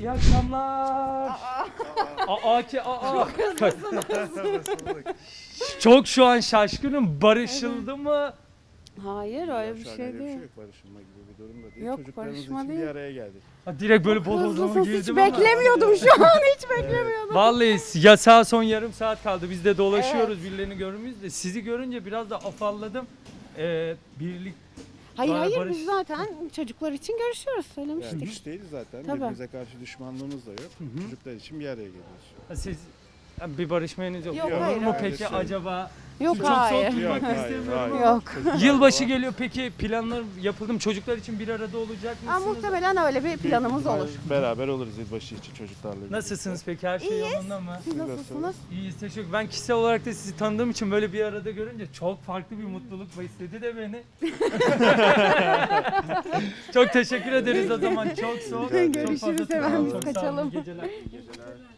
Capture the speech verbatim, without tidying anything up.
İyi akşamlar. Aa, ki aa. Çok şu an şaşkınım. Barışıldı mı? Hayır öyle bir Şu an şey öyle değil. yok. Barışılma gibi bir durum da değil. Yok, Çocuklarımız barışma için değil. bir araya geldik. Ha, direkt böyle bodozlama Hızlısınız, hiç girdim ama. beklemiyordum şu an, hiç beklemiyordum. Vallahi yasağa son yarım saat kaldı. Biz de dolaşıyoruz birilerini görmüyoruz de. Sizi görünce biraz da afalladım. Ee, birlik Hayır Bana hayır barış- biz zaten çocuklar için görüşüyoruz, söylemiştik. Yani hiç değiliz zaten. Tabii. Birbirimize karşı düşmanlığımız da yok. hı. Çocuklar için bir araya geliyoruz. Ha, siz yani bir barışmayanız yok. Yok, Olur hayır, mu hayır. peki Öyle acaba? Yok Çok hayır. soğuk Yok, tutmak hayır, istemiyorum hayır. ama. Yok. Yılbaşı geliyor peki, planlar yapıldı mı? Çocuklar için bir arada olacak Aa, mısınız? muhtemelen öyle bir planımız olur. Beraber oluruz yılbaşı için çocuklarla. birlikte. Nasılsınız peki? Her şey yolunda mı? Siz nasılsınız? İyiyiz, teşekkür. Ben kişisel olarak da sizi tanıdığım için böyle bir arada görünce çok farklı bir mutluluk besledi de beni. Çok teşekkür ederiz o zaman. Çok soğuk. Rica ederim. Çok fazla Görüşürüz, tutmayalım. hemen biz Çok sağ olun. kaçalım. İyi geceler. İyi geceler.